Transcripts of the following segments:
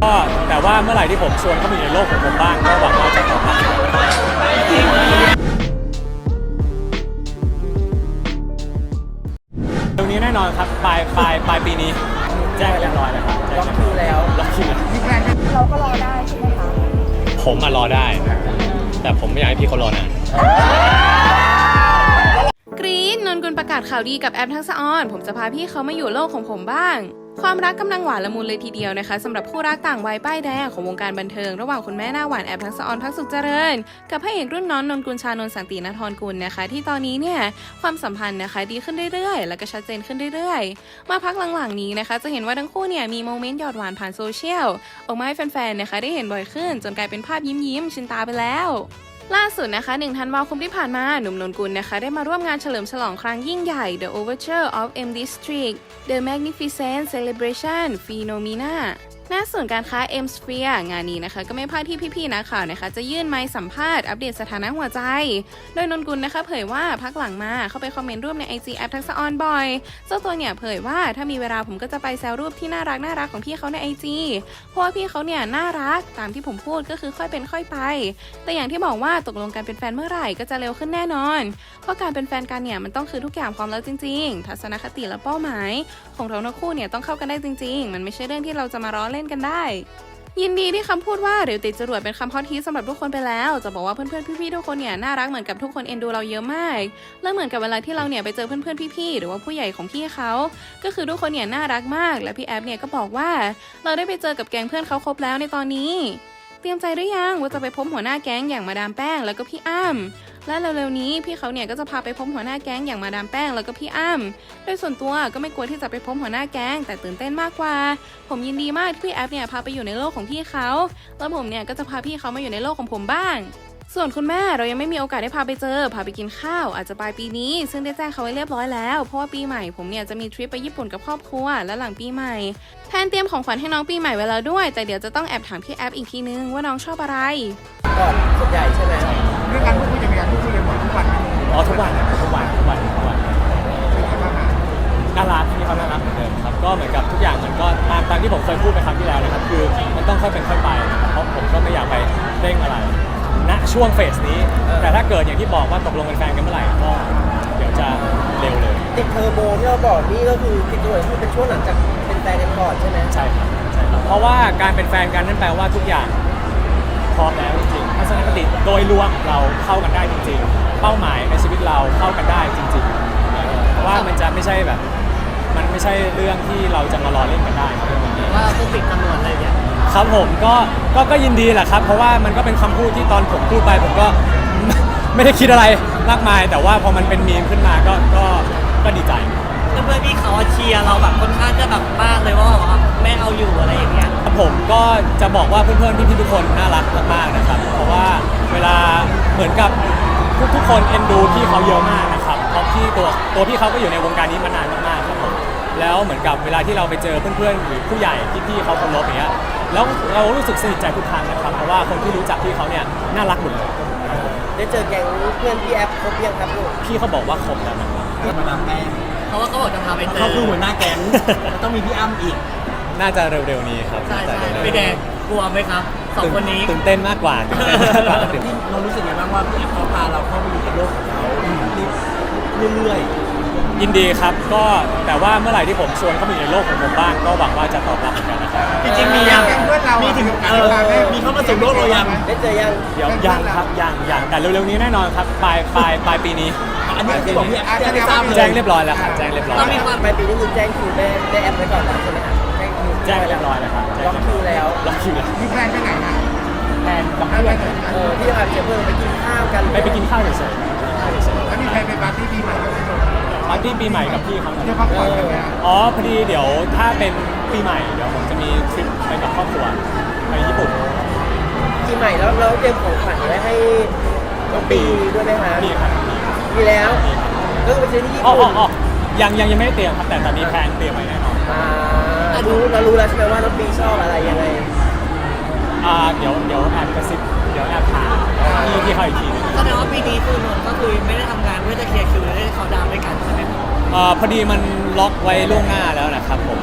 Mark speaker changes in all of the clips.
Speaker 1: แต่ว่าเมื่อไหร่ที่ผมชวนเขามาอยู่ในโลกของผมบ้างก็หวังว่าจะตอบรับตรงนี้แน่นอนครับปลายปีนี้แจ้งเรียบร้อยแล้วครับล็อกคิวแล้วล็อกคิว
Speaker 2: เราก็รอได้ใช่ไหมคะ
Speaker 1: ผมมารอได้แต่ผมไม่อยากให้พี่เขารอนาน
Speaker 3: กรี๊ดนนกุลประกาศข่าวดีกับแอปทักษะออนผมจะพาพี่เขามาอยู่โลกของผมบ้างความรักกำลังหวานละมุนเลยทีเดียวนะคะสำหรับคู่รักต่างวัยป้ายแดงของวงการบันเทิงระหว่างคุณแม่หน้าหวานแอปทักษะออนพักสุขเจริญกับพระเอกรุ่นน้องนนกุลชานนท์สันตินทรกุลนะคะที่ตอนนี้เนี่ยความสัมพันธ์นะคะดีขึ้นเรื่อยๆแล้วก็ชัดเจนขึ้นเรื่อยๆมาพักหลังๆนี้นะคะจะเห็นว่าทั้งคู่เนี่ยมีโมเมนต์หยอดหวานผ่านโซเชียลออกมาให้แฟนๆนะคะได้เห็นบ่อยขึ้นจนกลายเป็นภาพยิ้มชินตาไปแล้วล่าสุดนะคะ1 ธันวาคมที่ผ่านมาหนุ่มนนกุลนะคะได้มาร่วมงานเฉลิมฉลองครั้งยิ่งใหญ่ The Overture of M District The Magnificent Celebration Phenomena ณ ศูนย์การค้า M Sphere งานนี้นะคะก็ไม่พลาดที่พี่ๆนักข่าวนะคะจะยื่นไมค์สัมภาษณ์อัปเดตสถานะหัวใจโดยนนกุลนะคะเผยว่าพักหลังมาเข้าไปคอมเมนต์รูปใน IG แอปทักษะออนบ่อยเจ้าตัวเนี่ยเผยว่าถ้ามีเวลาผมก็จะไปแซวรูปที่น่ารักของพี่เขาใน IG เพราะว่าพี่เขาเนี่ยน่ารักตามที่ผมพูดก็คือค่อยเป็นค่อยไปแต่อย่างที่บอกว่าตกลงกันเป็นแฟนเมื่อไหร่ก็จะเร็วขึ้นแน่นอนเพราะการเป็นแฟนกันเนี่ยมันต้องคือทุกอย่างพร้อมแล้วจริงๆทัศนคติและเป้าหมายของเราทั้งคู่เนี่ยต้องเข้ากันได้จริงๆมันไม่ใช่เรื่องที่เราจะมาล้อเล่นกันได้ยินดีที่คำพูดว่าเร็วติดจรวดเป็นคำฮอตฮิตสำหรับทุกคนไปแล้วจะบอกว่าเพื่อนๆพี่ๆทุกคนเนี่ยน่ารักเหมือนกับทุกคนเอ็นดูเราเยอะมากและเหมือนกับเวลาที่เราเนี่ยไปเจอเพื่อนๆพี่ๆหรือว่าผู้ใหญ่ของพี่เขาก็คือทุกคนเนี่ยน่ารักมากและพี่แอฟเนี่ยก็บอกว่าเราได้ไปเจอกับแก๊งเพื่อนเขาครบแล้วในตอนนี้เตรียมใจหรือยังว่าจะไปพบหัวหน้าแก๊งอย่างมาดามแป้งแล้วก็พี่อ้ำและเร็วๆนี้พี่เขาเนี่ยก็จะพาไปพบหัวหน้าแก๊งอย่างมาดามแป้งแล้วก็พี่อ้ำโดยส่วนตัวก็ไม่กลัวที่จะไปพบหัวหน้าแก๊งแต่ตื่นเต้นมากกว่าผมยินดีมากที่พี่แอฟเนี่ยพาไปอยู่ในโลกของพี่เขาแล้วผมเนี่ยก็จะพาพี่เขามาอยู่ในโลกของผมบ้างส่วนคุณแม่เรายังไม่มีโอกาสได้พาไปเจอพาไปกินข้าวอาจจะปลายปีนี้ซึ่งได้แจ้งเขาไว้เรียบร้อยแล้วเพราะว่าปีใหม่ผมเนี่ยจะมีทริปไปญี่ปุ่นกับครอบครัวและหลังปีใหม่แทนเตรียมของขวัญให้น้องปีใหม่ไว้แล้วด้วยแต่เดี๋ยวจะต้องแอบถามพี่แอฟอีกทีนึงว่าน้องชอบอะไร
Speaker 2: ก่อนส่วนใหญ่ใช่ไหม
Speaker 4: เรื่องการพูดคุยจะมีการพูดคุยกันบ่อยทุกวัน
Speaker 1: อ๋อทุกวันน่ารักที่เขาน่ารักเหมือนเดิมครับก็เหมือนกับทุกอย่างมันก็ตามที่ผมเคยพูดไปครั้งที่แล้วนะครับคือมันต้องค่อยเป็นค่อยไปนะครับเพราะผมก็ไม่อยากไปเร่งอะไรณช่วงเฟสนี้แต่ถ้าเกิดอย่างที่บอกว่าตกลงเป็นแฟนกันเมื่อไหร่ก็เดี๋ยวจะเร็วเลย
Speaker 2: ติดเทอร์โบที่เราบอกนี่ก็คือติดตัวที่เป็นช่วงหลังจากเป็นแฟนกันก่อนใช่ไหม
Speaker 1: ใช่ครับเพราะว่าการเป็นแฟนกันนั่นแปลว่าทุกอย่างพร้อมแล้วจริงๆทัศนคติโดยรวมเราเข้ากันได้จริงๆเป้าหมายในชีวิตเราเข้ากันได้จริงๆว่ามันจะไม่ใช่แบบมันไม่ใช่เรื่องที่เราจะมาล้อเล่นกันได้
Speaker 2: ว่าต้องติดจำนวนอะไรเนี่ย
Speaker 1: ครับผมก็ยินดีแหละครับเพราะว่ามันก็เป็นคำพูดที่ตอนผมพูดไปผมก็ ไม่ได้คิดอะไรมากมายแต่ว่าพอมันเป็นมีมขึ้นมาก็ดีใจ
Speaker 2: เพื่อนพี่เขาเชียร์เราแบบค่อนข้างจะแบบมากเลยว่าแม่เอาอยู่อะไรอย่างเงี้ย
Speaker 1: ผมก็จะบอกว่าเพื่อนๆพี่ๆทุกคนน่ารักมากๆนะครับเพราะว่าเวลาเหมือนกับทุกคนเอ็นดูพี่เขาเยอะมากนะครับเพราะพี่ตัวพี่เขาก็อยู่ในวงการนี้มานานมากๆครับผมแล้วเหมือนกับเวลาที่เราไปเจอเพื่อนๆหรือผู้ใหญ่ที่พี่เขาเคารพอย่างเงี้ยแล้วเรารู้สึกสนิทใจทุกครั้งนะครับเพราะว่าคนที่รู้จักพี่เขาเนี่ยน่ารักหมดเลย
Speaker 2: ได้เจอแก๊งเพื่อนพี่แอฟครบยังครับลูก
Speaker 1: พี่เขาบอกว่าครบแล้วนะครับ
Speaker 2: มาดามแป้งเพราะว่าเขาบอกจะพาไปเจอเขาคือหัวหน้าแก๊งต้องมีพี่อ้ำอีก
Speaker 1: น่าจะเร็วๆนี้ครับ
Speaker 2: ใช่พี่แดงกลัวไหมครับสองคนนี้
Speaker 1: ตื่นเต้นมากกว่า
Speaker 2: ที่เรารู้สึกยังไงบ้างว่าพี่แอฟเขาพาเราเข้าไปอยู่ในโลกของเขาเรื่อย
Speaker 1: ยินดีครับก็แต่ว่าเมื่อไหร่ที่ผมชวนเขามาอยู่ในโลกของผมบ้างก็หวังว่าจะตอบรับเหมือนกันนะครับ
Speaker 2: จริงๆมียังมีถึงมีเข้ามาสู่โลกเรายังได้เจอยัง
Speaker 1: เดี๋ยวยังครับยังแต่เร็วๆนี้แน่นอนครับปลายปีนี้
Speaker 2: อันนี้คือบอกพี่แอฟ
Speaker 1: แจ้งเรียบร้อยแล้วครับแจ้งเรียบร้อย
Speaker 2: ต้องมีความปลายปีนี้คือแจ้งคิวได้แอปไว้ก่อนแล้วใช่ไหมครับ
Speaker 1: แจ้งเรียบร้อยแล้วครับ
Speaker 2: ล็อกคิวแล้ว
Speaker 4: มีแฟนไปไหนนะ
Speaker 1: แฟนกับเพื่อน
Speaker 2: พี่อาจจะเพิ่งไปกินข้าวกัน
Speaker 1: ไปกินข้าวเฉย
Speaker 4: ๆแล้วมีแฟนไปปาร์ตี้ปีใหม่กับ
Speaker 1: ปาร์ตี้ปีใหม่กับพี่เขา
Speaker 4: จะพักผ่อนกันไหม
Speaker 1: อ๋อพอดีเดี๋ยวถ้าเป็นปีใหม่เดี๋ยวผมจะมีทริปไปกับครอบครัวไปญี่ปุ่น
Speaker 2: ปีใหม่แล้วเราเตรียมของขวัญไว้ให้น้องปีด้วยไหมคะ
Speaker 1: มีครับ
Speaker 2: มีแล้วก็ไปซื้อที่ญี่ปุ่น
Speaker 1: ยังไม่ได้เตรียมครับแต่ตอนนี้แพลนเตรียมไว้แน่นอน
Speaker 2: เรารู้แล้วใช่ไหมว่าน้องปีชอบอะไรยังไง
Speaker 1: เดี๋ยวแอบกระซิบเดี๋ยวแอบถามพี่เขาอีกทีนึง
Speaker 2: แสดงว่าปีนี้คือนนท์ก็คือไม่ได้ทำงานเพื่อจะเคลียร์คิวได้เขาดาวด้วยกันใช่ไหม
Speaker 1: พอดีมันล็อกไว้ล่วงหน้าแล้วนะครับผม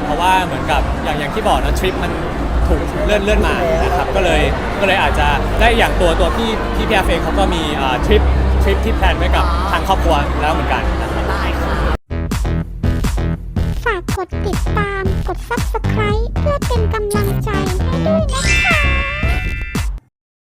Speaker 1: เพราะว่าเหมือนกับอย่างที่บอกนะทริปมันถูกเลื่อนมานะครับก็เลยอาจจะได้อย่างตัวพี่แอฟเองเขาก็มีทริปที่แพลนไว้กับทางครอบครัวแล้วเหมือนกันนะครับ
Speaker 5: ฝากกดติดตาม กด Subscribe เพื่อเป็นกำลังใจให้ด้วยนะคะ